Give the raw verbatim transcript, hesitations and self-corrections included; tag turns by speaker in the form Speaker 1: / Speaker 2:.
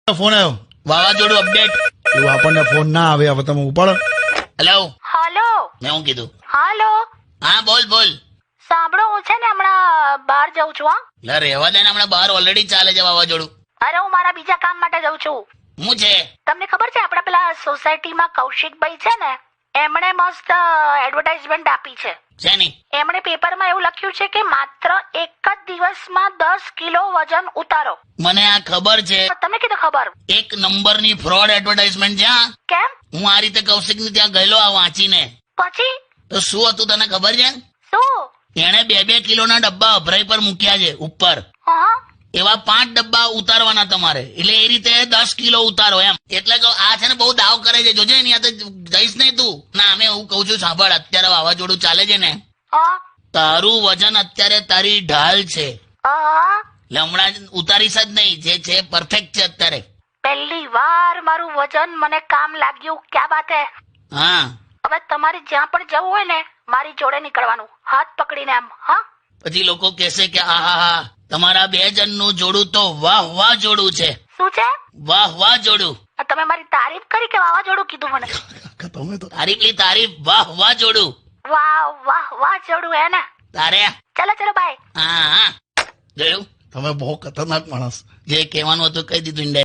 Speaker 1: Phone આવ્યો
Speaker 2: વાવાઝોડું update.
Speaker 1: એવું આપણને ફોન ના આવે, હવે તમે ઉપાડો.
Speaker 2: હેલો,
Speaker 3: હાલો
Speaker 2: મેં હું કીધું?
Speaker 3: હાલો
Speaker 2: હા બોલ બોલ.
Speaker 3: સાંભળો, હું છે ને હમણાં બહાર જઉં છું. હા,
Speaker 2: લે રહેવા દે ને, હમણાં બહાર ઓલરેડી ચાલે છે વાવાઝોડું.
Speaker 3: અરે હું મારા બીજા કામ માટે જઉં છું.
Speaker 2: હું છે
Speaker 3: તમને ખબર છે આપડા પેલા સોસાયટીમાં કૌશિકભાઈ છે ને, એમણે મસ્ત એડવર્ટાઇઝમેન્ટ આપી છે.
Speaker 2: શેની?
Speaker 3: એમણે પેપરમાં એવું લખ્યું છે કે માત્ર એક જ દિવસમાં દસ કિલો વજન ઉતારો.
Speaker 2: મને આ ખબર છે.
Speaker 3: તમને કીધું ખબર?
Speaker 2: એક નંબરની ફ્રોડ એડવર્ટાઇઝમેન્ટ છે. હા,
Speaker 3: કેમ?
Speaker 2: હું આ રીતે કૌશિકની ત્યાં ગયેલો આ વાંચીને.
Speaker 3: પછી
Speaker 2: તો શું હતું તને ખબર છે?
Speaker 3: શું?
Speaker 2: એણે બે બે કિલોના ડબ્બા અભરાઈ પર મૂક્યા છે ઉપર.
Speaker 3: હા,
Speaker 2: એવા પાંચ ડબ્બા ઉતારવાના તમારે, એટલે એ રીતે દસ કિલો ઉતારો એમ. એટલે કે આ છે ને બહુ દાવ કરે છે, જોજે એની હાથે જઈશ નહીં તું. ના, અમે હું કઉ છું સાંભળ, અત્યારે વાવાઝોડું ચાલે છે ને,
Speaker 3: હા,
Speaker 2: તારું વજન અત્યારે તારી ઢાલ છે.
Speaker 3: હા.
Speaker 2: એટલે હમણાં જ ઉતારીશ જ નહીં, જે છે પરફેક્ટ છે અત્યારે.
Speaker 3: પહેલી વાર મારું વજન મને કામ લાગ્યું. ક્યાં વાત હે?
Speaker 2: હા,
Speaker 3: હવે તમારે જ્યાં પણ જવું હોય ને, મારી જોડે નીકળવાનું, હાથ પકડીને એમ. હા,
Speaker 2: પછી લોકો કહેશે કે આ હા હા તમારા બે જણનું જોડું તો વાહ વાહ જોડું છે.
Speaker 3: શું છે?
Speaker 2: વાહ વાહ જોડું.
Speaker 3: તમે મારી તારીફ કરી કે વાવાઝોડું કીધું મને?
Speaker 1: તમે તો
Speaker 2: તારીફની તારીફ, વાહ વાહ જોડું.
Speaker 3: વાહ વાહ વાહ જોડું હે ને.
Speaker 2: તારે
Speaker 3: ચલો ચલો બાય.
Speaker 2: હા હા જોયું,
Speaker 1: તમે બહુ ખતરનાક માણસ.
Speaker 2: જે કહેવાનું હતું કહી દીધું.